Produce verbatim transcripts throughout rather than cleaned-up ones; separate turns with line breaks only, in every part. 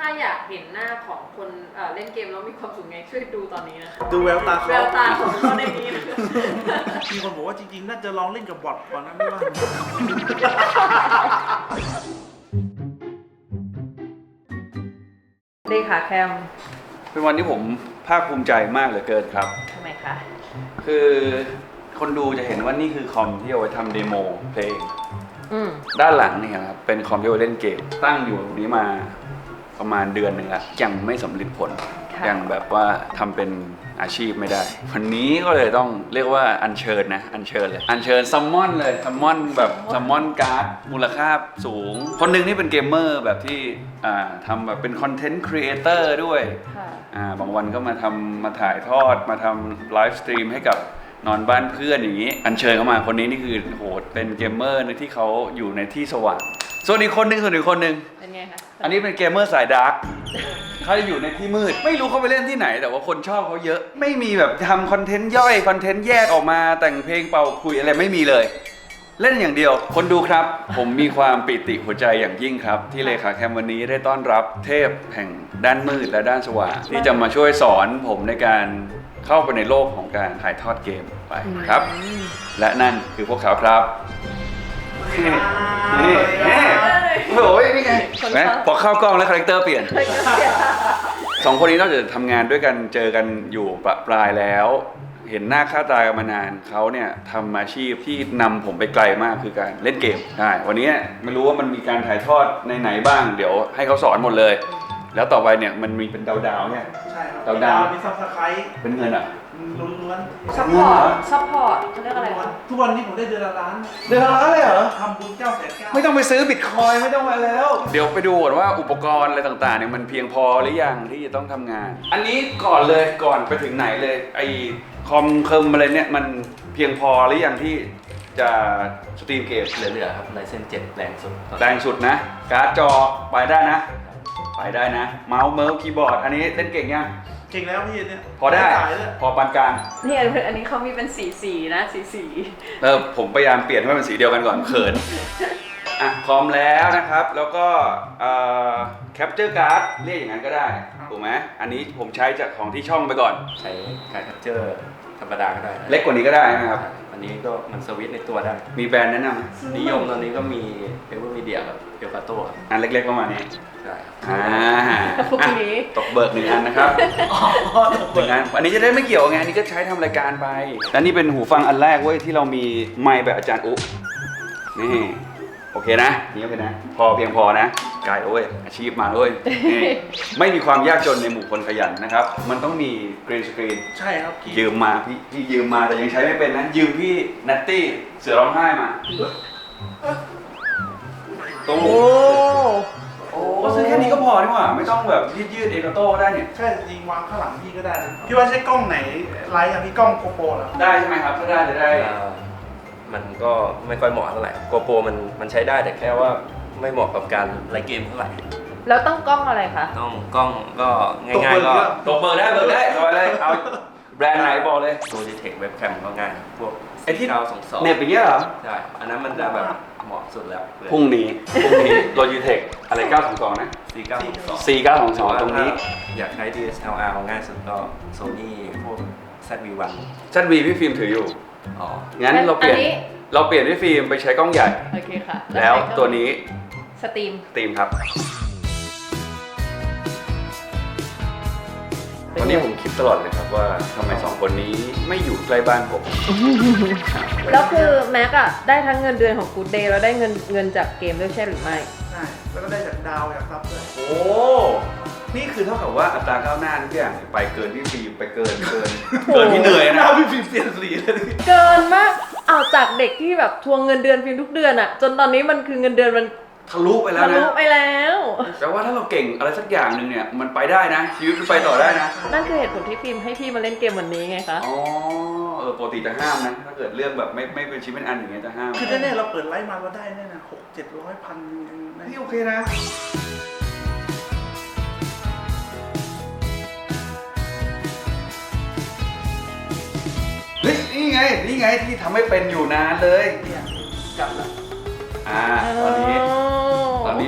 ถ้าอยากเห็นหน้าของคนเอ่อเล่นเกมแล้วมีความสุขไงช่วยดูตอนนี้นะคะ
ดูแววตาเขา
แววตาของเขาในนี้นะ
มีคนบอกว่าจริงๆน่าจะลองเล่นกับบอทก่อนนะไม่ว่า
เลขาแคม
เป็นวันที่ผมภาคภูมิใจมากเหลือเกินครับ
ทำไมคะ
คือคนดูจะเห็นว่านี่คือคอมที่เอาไว้ทำเดโมเพลง
อืม
ด้านหลังเนี่ยครับเป็นคอมที่เอาไว้เล่นเกม ตั้งอยู่ตรงนี้มาประมาณเดือนหนึ่งแล้วยังไม่สำเร็จผล ยังแบบว่าทำเป็นอาชีพไม่ได้ วันนี้ก็เลยต้องเรียกว่าอัญเชิญนะอัญเชิญเลยอัญเชิญซัมมอนเลยซัมมอนแบบซัมมอนการ์ดมูลค่าสูง คนหนึ่งนี่เป็นเกมเมอร์แบบที่อ่าทำแบบเป็นคอนเทนต์ครีเอเตอร์ด้วย
ค่ะ
อ่าบางวันก็มาทำมาถ่ายทอดมาทำไลฟ์สตรีมให้กับนอนบ้านเพื่อนอย่างนี้ อัญเชิญเข้ามาคนนี้นี่คือโหเป็นเกมเมอร์ที่เขาอยู่ในที่สว่างส่วนอีกคนหนึงส่วนอีกคนหนึง
เป็นไงคะ
อันนี้เป็นเกมเมอร์สายดาร์กเขาจะอยู่ในที่มืดไม่รู้เขาไปเล่นที่ไหนแต่ว่าคนชอบเขาเยอะ ไม่มีแบบทำคอนเทนต์ย่อยคอนเทนต์แยกออกมาแต่งเพลงเป่าคุยอะไรไม่มีเลย เล่นอย่างเดียวคนดูครับ ผมมีความปิติหัวใจอย่างยิ่งครับ ที่เลขาแคมวันนี้ได้ต้อนรับเทพแห่งด้านมืดและด้านสว่างที่จะมาช่วยสอนผมในการเข้าไปในโลกของการถ่ายทอดเกมไปครับ และนั่นคือพวกเขาครับนี่นี่นี่โอ้ยนี่ไงนะพอเข้ากล้องแล้วคาแรคเตอร์เปลี่ยนสองคนนี้นอกจากทำงานด้วยกันเจอกันอยู่ประปรายแล้ว เห็นหน้าค่าตากันมานานเขาเนี่ยทำอาชีพที่นำผมไปไกลมากคือการเล่นเกมใช่วันนี้ไม่รู้ว่ามันมีการถ่ายทอดในไหนบ้างเดี๋ยวให้เขาสอนหมดเลย แล้วต่อไปเนี่ยมันมีเป็นดาวๆเนี่ย
ใช่ครับ
ดาวดาว
มีซับสไครต์
เป็นเงินอ่ะ
ล้วน
ซัพพอร์ต ซัพพอร์ตเขาเรียกอะไรคะ
ๆทุกวันนี้ผมได้เดือนละล้าน
เดือนละเลยเหรอ
ทำบุญเก้าแสนเก้า
ไม่ต้องไปซื้อบิตคอยไม่ต้องมาแล้ว เดี๋ยวไปดูก่อนว่าอุปกรณ์อะไรต่างๆเนี่ยมันเพียงพอหรือยังที่จะต้องทำงาน อันนี้ก่อนเลยก่อนไปถึงไหนเลยไอคอมเคิมอะไรเนี่ยมันเพียงพอหรือยังที่จะสตรีมเกม
เหลือๆครับไลเซนเจ็ดแรงสุดตอนนี้
แรงสุดนะ การ์ดจอไปได้นะ ไปได้นะ เมาส์เมิร์ฟคีย์บอร์ดอันนี้เล่นเก่งยัง
เก่งแล้วพี่เนี่ย
พอได้
สายเลย
พอปานกลาง
นี่อันนี้เขามีเป็นสีสีนะสีสี
เออผมพยายามเปลี่ยนให้มันเป็นสีเดียวกันก่อนเขิน อ่ะพร้อมแล้วนะครับ แล้วก็แคปเจอร์การ์ดเรียกอย่างนั้นก็ได้ถูกไหมอันนี้ผมใช้จากของที่ช่องไปก่อน
ใช้การ์ดแคปเจอร์ธรรมดาก็ได้นะ
เล็กกว่านี้ก็ได้นะครับ
อันนี้ก็มันสวิตช์ในตัวได้
มีแบรนด์แนะนำไหม
นิยมตอนนี้ก็มีเอเวอร์มีเดียกับเอลคาโต้ครับ
อันเล็กๆประมาณนี้
ใช่ครับ
อ่า
พวกนี้
ตกเบิกหนึ่งอันนะครับหนึ่งอันอันนี้จะได้ไม่เกี่ยวไงอันนี้ก็ใช้ทำรายการไปและนี่เป็นหูฟังอันแรกเว้ยที่เรามีไมค์แบบอาจารย์อุ๊นี่โอเคนะนี่โอเคนะพอเพียงพอนะกายโอ้ยอาชีพมาเลยนี่ไม่มีความยากจนในหมู่คนขยันนะครับ มันต้องมีกรีนสกรีน
ใช่ครับ
ยืมมาพี่พี่ยืมมาแต่ยังใช้ไม่เป็นนะยืมพี่นัตตี้เสือร้องไห้มาตรง
โอ้
โอ้ก็ซื้อแค่นี้ก็พอนี่หว่าไม่ต้องแบบยืดยืดเอลโต้ได้เนี่ย
ใช่จริงวางข้างหลังพี่ก็ได้นะพี่ว่าใช้กล้องไหนไลท์อะพี่กล้องโกโปรเหรอ
ได้ใช่ไหมครับถ้าได้จะได้
เอ่อมันก็ไม่ค่อยเหมาะเท่าไหร่โกโปรมันมันใช้ได้แต่แค่ว่าไม่เหมาะกับการไลฟ์เกมเท่าไหร่
แล้วต้องกล้องอะไรคะ
ต้องกล้องก็ง่ายๆก็
ตกเบอร์ได้เบอร์ได้เอาเลยเอาแบรนด์ไหนบอกเลย
โลจิเทคเว็บแคมก็ง่ายครับพวก
ไอ้ที่
เก้าสองสอง
เน็บอย่างเงี้ยเหรอ
ใช่อันนั้นมันจะแบบเหมาะสุดแล้ว
พรุ่งนี้พรุ่งนี้โลจิเทคอะไรเก้าสองสองนะ
สี่เก้าสองสอง
สี่เก้าสองสองตรงนี้
อยากใช้ ดี เอส แอล อาร์ ง่ายสุดก็ Sony พวก แซด วี วัน
ชัดวีพี่ฟิล์มถืออยู่
อ๋อ
งั้นเราเปลี่ยน
อันนี้
เราเปลี่ยนพี่ฟิล์มไปใช้กล้องใหญ่
โอเคค่ะ
แล้วตัวนี้
สตรีม
ตีมครับวันนี้ผมคิดตลอดเลยครับว่าทำไมสองคนนี้ไม่อยู่ใกล้บ้านผม
แล้วคือแม็กอะได้ทั้งเงินเดือนของ Good Day แล้วได้เงินเงินจากเกมด้วยใช่หรือไม่
ใช่แล้วก็ได้จากดาวจากซับด้วย
โอ้ นี่คือเท่ากับว่าอัตราก้าวหน้าทุกอย่างไปเกินพี่ฟิล์มไปเกินเกิน เกินที่เหนื่อย
ห
นะ
น้าพี่ฟิล์มเปลี่ยนสีเลย
เกินมากเอาจากเด็กที่แบบทวงเงินเดือนฟิล์มทุกเดือนอะจนตอนนี้มันคือเงินเดือนมัน
ทะลุไปแล้ว
ทะลุ
นะ
ไปแล้ว
แต่ว่าถ้าเราเก่งอะไรสักอย่างหนึ่งเนี่ยมันไปได้นะชีวิตมันไปต่อได้นะ
นั่นคือเหตุผลที่ฟิล์มให้พี่มาเล่นเกมวันนี้ไงคะ
อ๋อเออปกติจะห้ามนะถ้าเกิดเรื่องแบบไม่ไม่เป็นชิ้นเป็นอันอย่างเงี้ยจะห้าม
คือแน่ๆเราเปิดไลฟ์มาเราได้แน่นะหกเจ็ดร้อยพัน
นี่โอเคนะเฮ้ยนี่ไงนี่ไงที่ทำให้เป็นอยู่นานเลย
เนี่ยจับแล้ว
อ่าตอนนี้ ตอนนี้ผม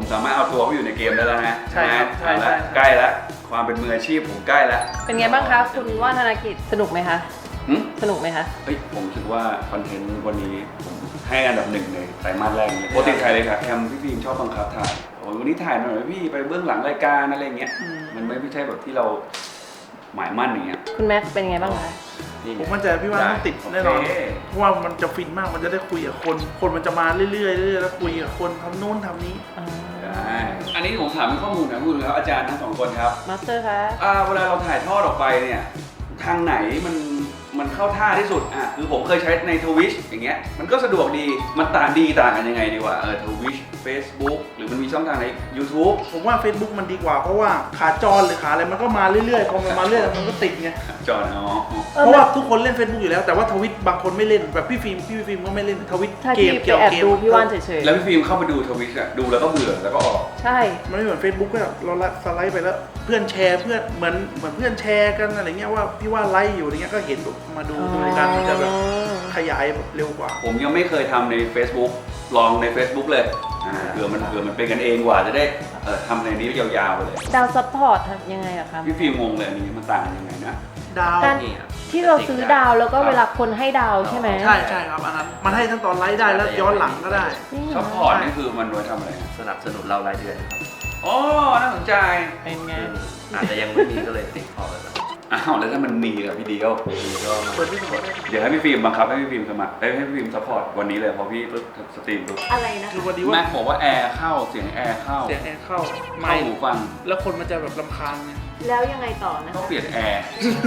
สามารถเอาตัวเขาอยู่ในเกมได้แล้วฮะ
ใช่ครับ
ใช่ไหม
ใช่
เอาละ
ใช่
ใกล้แล้วความเป็นมืออาชีพผมใกล้แล้ว
เป็นไงบ้างคะคุณว่านธนกิจสนุกไหมคะ
หึ
สนุกไหมคะ
เฮ้ยผมคิดว่าคอนเทนต์วันนี้ผมให้อันดับหนึ่งในไตรมาสแรกเลยปกติถ่ายเลยครับแอมพี่ฟิล์มชอบบังคับถ่ายโอ้ยวันนี้ถ่ายหน่อยพี่ไปเบื้องหลังรายการอะไรเงี้ยมันไม่ไม่ใช่แบบที่เราหมายมั่นอย่างเงี้ย
คุณแม็กซ์เป็นไงบ้างคะ
ผมมั่นใจพี่ว่าต้องติดแน่นอน
โอเค
เพราะว่ามันจะฟินมากมันจะได้คุยกับคน คนมันจะมาเรื่อยๆเรื่อยๆแล้วคุยกับคนทำนู่นทำนี้
ได้อันนี้ผมถามเป็นข้อมูลนะคุณครับอาจารย์ทั้งสองคนครับ
มาสเตอร์คะ
อ่าเวลาเราถ่ายทอดออกไปเนี่ยทางไหนมันมันเข้าท่าที่สุดอ่ะคือผมเคยใช้ในทวิชอย่างเงี้ยมันก็สะดวกดีมันต่างดีต่างกันยังไงดีกว่าเออทวิช Facebook หรือมันมีช่องทางใน YouTube
ผมว่า Facebook มันดีกว่าเพราะว่าขาจรหรือขาอะไรมันก็มาเรื่อยๆพอมันมาเรื่อยๆมันก็ติดไง
จอห์นอ๋อ
เออ
เพราะว่าทุกคนเล่น Facebook อยู่แล้วแต่ว่าทวิตบางคนไม่เล่นแบบพี่ฟิล์มพี่ฟิล์มก็ไม่เล่นทวิต
ถ้า
เก
ที่
ม
ไป
เกี่ยว
แอบ
เกม
ดูพี่ว่านเฉย
แล้วพี่ฟิล์มเข้าไปดูทวิชอะดูแล้วก็เบื่อแล้วก็ออก
ๆ ใช่
มันไม่เหมือน Facebook ก็แบบเราสไลด์ไปแล้วเพื่อนแชร์เพื่อนเหมือนเหมือนเพื่อนแชร์กันอะไรเงี้ยว่าพี่ว่าไลฟ์อยู่อะไรเงี้ยก็เห็นแบบมาดูดูในการมันจะแบบขยายแบบเร็วกว่า
ผมยังไม่เคยทำใน Facebook ลองใน Facebook เลยอ่าเผื่อมันเผื่อมันเป็นกันเองกว่าจะได้เออทำในนี้ยาวๆไปเลย
ดาวซัพพอร์ตทำยังไงอะคะ
พี่ฟิล์มงงเลยอันนี้มันต่างกันยังไงนะ
ดาว
การ
นี่ครับ
ที่เราซื้อดาวแล้วก็เวลาคนให้ดาวใช่ไหม
ใช่ใช่ครับอันนั้นมันให้ทั้งตอนไลฟ์ได้แล้วย้อนหลังก็ได้
นี่เหร
ซั
อ
พพอร์ตนี่คือมันไว้ทำอะไรอะ
สนับสนุนเรารายเดือนครับ
อ๋อน่าสนใจ
เป็นไง
อาจจะยังไม่มีก็เลยติดพอไปก่อน
อ้าวแล้วถ้ามันมีกับพี่เดียว
มีก็มา
เปิดที่สมัคร
เดี๋ยวให้พี่ฟิล์มบังคับให้พี่ฟิล์มสมัครเอ้ยให้พี่ฟิล์มซัพพอร์ตวันนี้เลยพอพี่ปุ๊บสตรีมปุ๊บ
อะไรนะ
คือ
คะ
วันนี้
แม็
ว่าก
บอกว่าแอร์เข้าเสียงแอร์เข้า
เสียงแอร์เข้า
เข้า
ไม่
หูฟัง
แล้วคนมันจะแบบรำคาญไง
แล้วยังไงต่อนะ
ก็
คะ
เปลี่ยนแอร์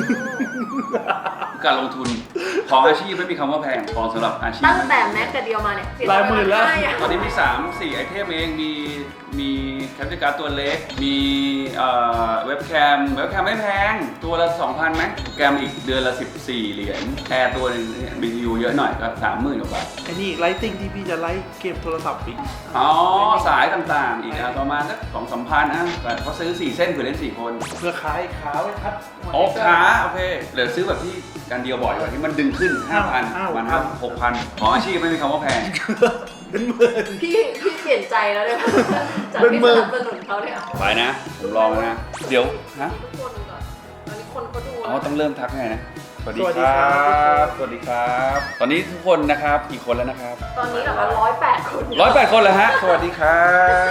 การลงทุนของอาชีพไม่มีคำว่าแพงของสำหรับอาชีพ
ตั้งแต่แม็กกับเดียวมาเนี่ยเสี
หลายหมื่นแล้ว
ไปอะ
ตอนนี้มีสามสี่ไอเทมเองมีมีแคปเจอร์การ์ดตัวเล็ก มีเอ่อเว็บแคมเว็บแคมไม่แพงตัวละ สองพัน ไหมโปรแกรมอีกเดือนละสิบสี่เหรียญแอร์ตัวหนึงบีทียูเยอะหน่อยก็สามหมื่นกว่าบาท
ไอ้นี่ไลติ้งที่พี่จะไลฟ์เกมโทรศัพท์อีก
อ๋อ สายต่างๆ อีกอ่ะประมาณสักสองสามพันนะแต่เขาซื้อสี่เส้นเผื่อเล่นสี่คน
เพื่อขายขาไว้คัด
โอ้ขาโอเคเดี๋ยวซื้อแบบที่การเดียวบ่อยกว่าที่มันดึงขึ้น ห้าพัน
อ้าว
มันห้าหกพันของอาชีพไม่มีคำว่าแพง
เป็นหมื่น
พี่พี่เปลี่ยนใจแล้วเนี่ยจาก
เป็น
ที่
หมื่
ส
น
นับสนุนเขาเนี่ย
ไปนะ ผมลองแล้วนะ เดี๋ยว ฮะ
ทุกคนก่อนตอนนี้คนเขาดู
อ๋อ ต้องเริ่มทักไงนะ สวัสดี
สวัสดี
ค
ครั
รับ
บ
สวัสดีครับ ตอนนี้ทุกคนนะครับกี่คนแล้วนะครับ
ตอนนี้เหรอคะร้อยแปดคน
ร้อยแปดคนแล้วฮะ สวัสดีครับ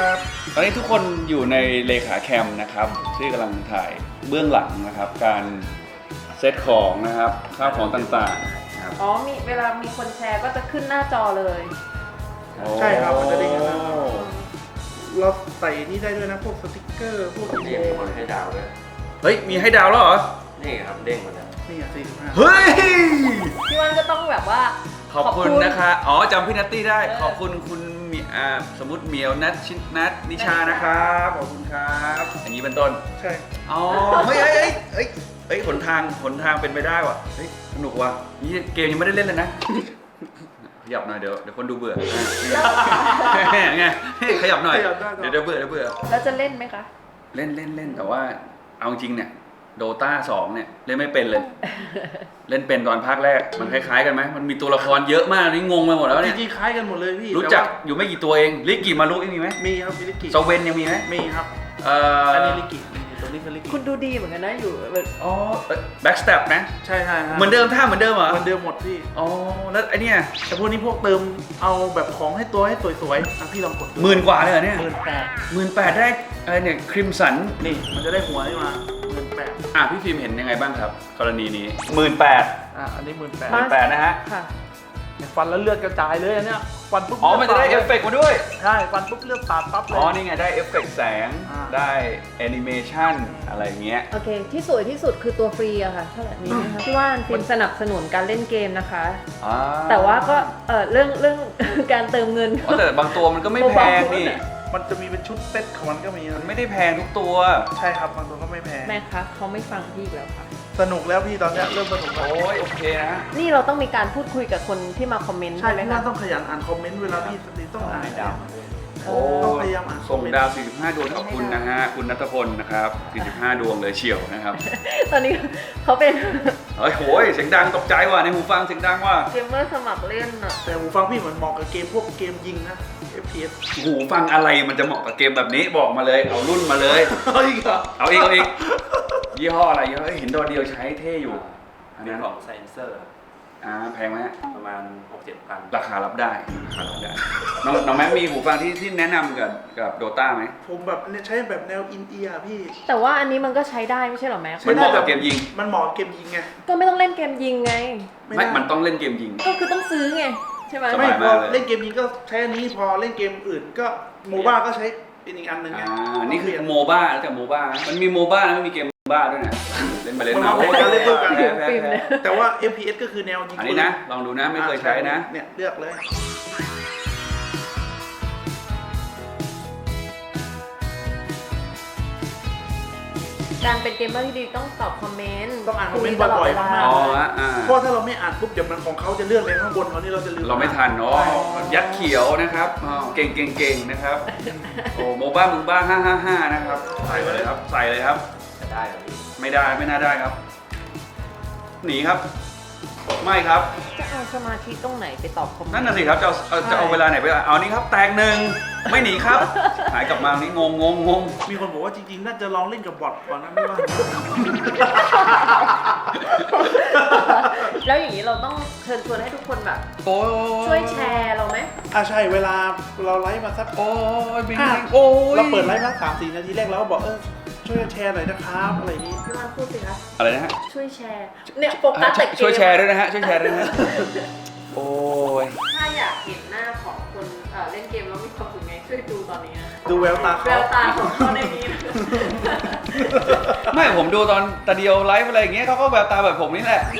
ตอนนี้ทุกคนอยู่ในเลขาแคมนะครับ ที่กำลังถ่ายเบื้องหลังนะครับ การเซตของนะครับข้าวของต่างๆนะครับ
อ๋อมีเวลามีคนแชร์ก็จะขึ้นหน้าจอเลย
ใช่ครับมันจะได้เห็นนะ
โอ้
เราใส่นี่ได้ด้วยนะพวกสติกเกอร์พวก
นี่มีคนให้ดาวด้วย
เฮ้ย มีให้ดาวแล้วเหรอ
นี่ครับเด้งมาแล้ว
นี่อ่ะสี่สิบห้า
เฮ้ย
พี่วันก็ต้องแบบว่า
ขอบคุณนะคะ อ๋อจำพี่นัตตี้ได้
เออ
ขอบคุณคุณมีอ่าสมมติเหมียวนัทชินนัทนิชานะครับ ขอบคุณครับ อย่างนี้เป็นต้น
ใช่
อ๋อ เฮ้ยเฮ้ยเฮ้ยเฮ้ยเฮ้ยหนทางหนทางเป็นไปได้ว่ะ เฮ้ย สนุกว่ะ นี่เกมยังไม่ได้เล่นเลยนะ ขยับหน่อยเดี๋ยวเดี๋ยวคนดูเบื่อไงขยับหน่อย เดี๋ยวเดี๋ยวเบื่อเดี๋ยวเบื่อ
แล้วจะเล่นไหมคะ
เล่นเล่นเล่นแต่ว่าเอาจริงเนี่ยโดตาสองเนี่ยเล่นไม่เป็นเลย เล่นเป็นตอนภาคแรกมันคล้ายๆกันไหมมันมีตัวละครเยอะมากนี่งงไปหมดแล้ว
จ
เนี่ย
ริงๆคล้ายกันหมดเลยพี่
รู้จัก
แต่ว่า
อยู่ไม่กี่ตัวเองลิกกี้มารุยังมีไหม
มีครับมีลิกิ
โซเวนยังมีไหม
มีครับ
เอ่อ
อั
อั
นนี้ลิกิตัวนี้คือลิกิ
คุณดูดีเหมือนกันนะอยู่แบบ
อ๋อแบ็กสเต็ปนะ
ใช่ใช่ครับ
เหมือนเดิมท่าเหมือนเดิมเหรอ
เหมือนเดิมหมดพี่
อ๋อแล้วไอเนี่ย
แต่พวกนี้พวกเติมเอาแบบของให้ตัวให้สวยๆอ่ะพี่ลองกดดู
หมื่นกว่าเลยเหรอเนี่ย
หมื่นแปด
หมื่นแปดได้อะไรเนี่ยคริมสัน
นี่มันจะได้หัวนี่มาหมื่นแปด
อ่ะพี่ฟิล์มเห็นยังไงบ้างครับ กรณีนี้หมื่นแปด
อ่ะอันนี้หมื่นแปด
หมื่นแปดนะฮะ
ค่ะ
ฟันแล้วเลือดกระจายเลยอันเนี้ยฟันปุ๊บ
อ๋อมันจะได้เอฟเฟกต์มาด้วย
ใช่ฟันปุ๊บเลือดตาดปั๊บเลย
อ๋อ นี่ไง ได้เอฟเฟกต์แสง
อ่า
ได้แอนิเมชันอะไรเงี้ย
โอเค ที่สวยที่สุดคือตัวฟรีอะค่ะเท่าไหร่นี้นะคะพี่ว่านฟิล์มสนับสนุนการเล่นเกมนะคะ
อ่า
แต่ว่าก็เออเรื่องเรื่อง การเติมเงิน
อ๋อแต่บางตัวมันก็ไม่แพงนี่
มันจะมีเป็นชุดเซ็ตของมันก็มีนะ
มันไม่ได้แพงทุกตัว
ใช่ครับบางตัวก็ไม่แพง
แม่คะเขาไม่ฟังพี่อีกแล้วค่ะ
สนุกแล้วพี่ตอนเนี้ยเริ่มสนุกแล้ว
โอ้ยโอเคนะ
นี่เราต้องมีการพูดคุยกับคนที่มาคอมเมนต์
ใช่
ใช่ไหม
พี่
คะ
ว่าต้องขยันอ่านคอมเมนต์เวลาพี่สตรีมต้องอ่าน
ดาว
โอ้
ต้องพยายามอ่านคอ
ส่
ม
ง
เมนต์
ดาว สี่สิบห้า ดวงขอบคุณนะฮะ คุณนัทพลนะครับ สี่สิบห้า ดวงเลยเฉียวนะครับ
ตอนนี้เขาเป็น
เฮ้ยโหยเสียงดังตกใจว่ะในหูฟังเสียงดังว่ะ
เกมเมอร์สมัครเล่นอะ
แต่หูฟังพี่เหมือนเหมาะกับเกมพวกเกมยิงนะเอฟ พี เอส
หูฟังอะไรมันจะเหมาะกับเกมแบบนี้บอกมาเลยเอารุ่นมาเลย
เอาอีกเหรอ
เอาอีกเอาอีกยี่ห้ออะไรยี่ห้อเอ้ยเห็นตัวเดียวใช้เท่อยู่อัน
เป็
นั้น น
ของไซเซอร์
อ่าแพงไหม
ประมาณ หกเจ็ดพัน
ราคารับได้ราคารับได้น้องน้องแม็กมีหูฟังที่ที่แนะนำกับกับโดต้าไหม
ผมแบบเนี่ยใช้แบบแนวอินเอียร์พี่
แต่ว่าอันนี้มันก็ใช้ได้ไม่ใช่เหรอแม็ก
มันเหมาะกับเกมยิง
มันเหมาะกับเกมยิงไง
ก็ไม่ต้องเล่นเกมยิงไง
ไม่
ไม่
ได้
มันต้องเล่นเกมยิง
ก็คือต้องซื้อไงใช่ไหม
สบา
ไม่
ย
พ
มา
อก
เลย
เล่นเกมยิงก็ใช้อันนี้พอเล่นเกมอื่นก็โมบ้าก็ใช้เป็นอีกอันหนึ่งไง
อ่านี่คือโมบ้าแต่โมบ้ามันมีโมบ้าแล้วไม่มีเกมโมบ้าด้วยนะเล่นไปเล่นมา
มันมาเล่นด้วยกัน
แพ้แพ้แพ้
แต่ว่า เอฟ พี เอส ก็คือแนวยิง
อัน
ปื
นี้นะลองดูนะไม่เคยใช้นะ
เนี่ยเลือกเลย
การเป็นเกมเมอร์ที่ดีต้องตอบคอมเมนต์
ต้องอ่านคอมเมนต์บ่อยๆ
คุ
มาก
อ๋ออ่า
เพราะถ้าเราไม่อ่านปุ๊บเดี๋ยวมันของเขาจะเลื่อนไปข้างบนเขานี่เราจะลืม
เราไม่ทันเนาะยัดเขียวนะครับอ๋อเก่งเก่งเก่งนะครับโอ้โมบ้ามึงบ้าห้าห้าห้านะครับใส่เลยครับใส่เลยครับ
จะได้เหรอพี่
ไม่ได้ไม่น่าได้ครับ หนีครับ ไม่ครับ
จะเอาสมาธิตรงไหนไปตอบคอมเมนต์
นั่นน่ะสิครับจะเอาเอาจะเอาเวลาไหนไปเอานี่ครับแตกหนึ่งไม่หนีครับ หายกลับมานี่งงงงงง
มีคนบอกว่าจริงๆน่าจะลองเล่นกับบอทก่อนนะไม่ว่า
แล้วอย่างนี้เราต้องเชิญชวนให้ทุกคนแบบ
โอ้
ช่วยแชร์เราไหม
อ่าใช่เวลาเราไลฟ์มาสัก
โอ้ยบิน
อ่ะ
โอ้ย
เราเปิดไลฟ์มาสามสี่นาทีแรกแล้วก็บอกเออช่วยแชร์หน่อยนะครับอะไรอย่างนี้
พี่วันพูดสิคะ
อะไรนะฮะ
ช่วยแชร์ เนี่ยโฟกัสแต่เกม
ช่วยแชร์ด้วยนะฮะช่วยแชร์ด้วยนะฮะโอ้ย
ถ้าอยากเห็นหน้าของคนเอ่อเล่นเกมแล้วมีความสุขไงช่วยดูตอนนี้นะ
ดูแววตา
แว
เขา
วตาของเขาในนี้นะ
ไม่ผมดูตอนตาเดียวไลฟ์อะไรอย่างเงี้ยเขาก็แบบตาแบบผมนี่แหละ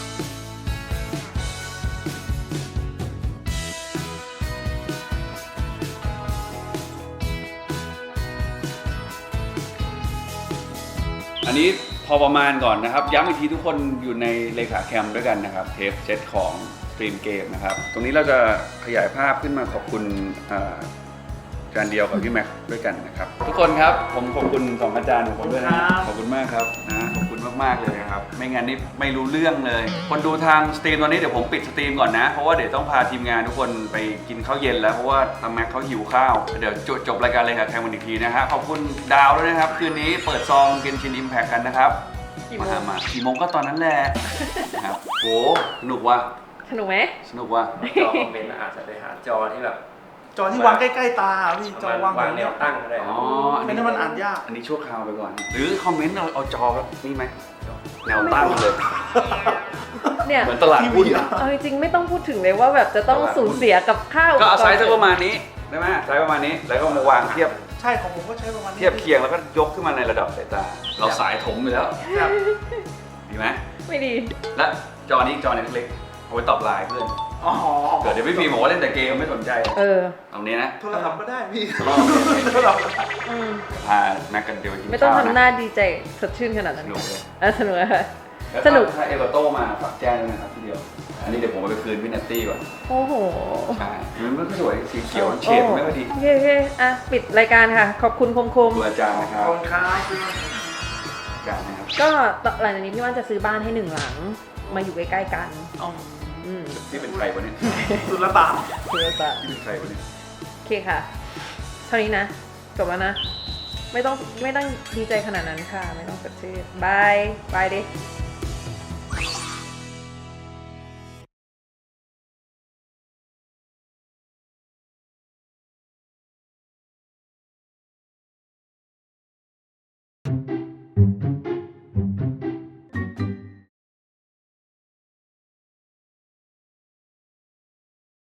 อันนี้พอประมาณก่อนนะครับย้ำอีกทีทุกคนอยู่ในเลขาแคมด้วยกันนะครับเทปเซตของสตรีมเกมนะครับตรงนี้เราจะขยายภาพขึ้นมาขอบคุณอ่าอาจารย์เดียวกับพี่แม็กซ์ด้วยกันนะครับทุกคนครับผมขอบคุณสองอาจารย์ของผมด้วยนะขอบคุณมากครับนะขอบคุณมากๆเลยนะครับไม่งั้นนี่ไม่รู้เรื่องเลย คนดูทางสตรีมตอนนี้เดี๋ยวผมปิดสตรีมก่อนนะเพราะว่าเดี๋ยวต้องพาทีมงานทุกคนไปกินข้าวเย็นแล้วเพราะว่าทางแม็กซ์เขาหิวข้าวเดี๋ยวจบจบรายการเลยครับแทนวันอีกทีนะฮะขอบคุณดาวด้วยนะครับคืนนี้เปิดซองเกนชินอิมแพคกันนะครับ
กี่โม
มาง มากี่โมงก็ตอนนั้นแหละนะครับโหสนุกว่ะ
สนุกไหม
สนุกว่ะ
จอคอมเมนต์อาจจะไปหาจอที่แบบ
จอที่วางใกล้ๆตาพี่จอวาง
วาง
แน
แน
ว
วตั้งก็ได้
อ๋อ
ไม่งั้นมันอ่านยาก
อันนี้ชั่วคราวไปก่อน หรือคอมเมนต์เราเอาจอนี่ไหมแนวตั้งเลย
เนี่ย
เหมือนตลาดหุ้น
เอาจริงๆไม่ต้องพูดถึงเลยว่าแบบจะต้องสูญเสียกับข้าว
ก็เอาไซส์สักประมาณนี้ได้ไหมไซส์ประมาณนี้แล้วก็มาวางเทียบ
ใช่ของผมก็ใช้ประมาณนี้
เทียบเคียงแล้วก็ยกขึ้นมาในระดับสายตา เราสายถมไปแล้ว
ครับ
ดีไหม
ไม่ดี
และจอนี้จอเล็กๆเอาไว้ตอบไลน์เพื่อน
อ๋อ
เกิดเดี๋ยวพี่พีบอกว่าเล่นแต่เกมไม่สนใจ
เออ
ตรงนี้นะ
โทรศัพท์ก็ได้พี่
อ๋อ
โทรศัพท์
อืม
พาแม็กกันเดียวไปกิน
ไม่ต้อง
ข้าว
ทำห
นะ
น้าดีใจสดชื่นขนาด
ส
นั้น
นุกเลย
เออสนุกอะค่ะ
แล้ว
สนุก
ถ้าเอเวอร์โตมาฝากแจ้งด้วยนะครับทีเดียว อันนี้เดี๋ยวผมเอาไปคืนพี่นัตตี้ก่อน
โอ้โห
ใช่มันไม่ค่อยสวยสีเขียวเฉดไม่ค่อยดี
โอเคโอเคอ่ะ ปิดรายการค่ะ ขอบคุณคมคม
ดูอาจารย์นะค
ข
รั
อ
บบ
คุณครับ
อาจารย์นะครับ
ก็หลังจากนี้พี่ว่านจะซื้อบ้านให้หนึ่งหลัง มาอยู่ใกล้ๆกัน
อ๋อ
อืม
ที่เป็นใครวะเนี่ย
สุลต่าน
คือจะ
ที่เป็นใครวะเนี่ย
โอเคค่ะ เท่านี้นะ จบแล้วนะ ไม่ต้องไม่ต้องดีใจขนาดนั้นค่ะ ไม่ต้องสดชื่นบาย บายดิ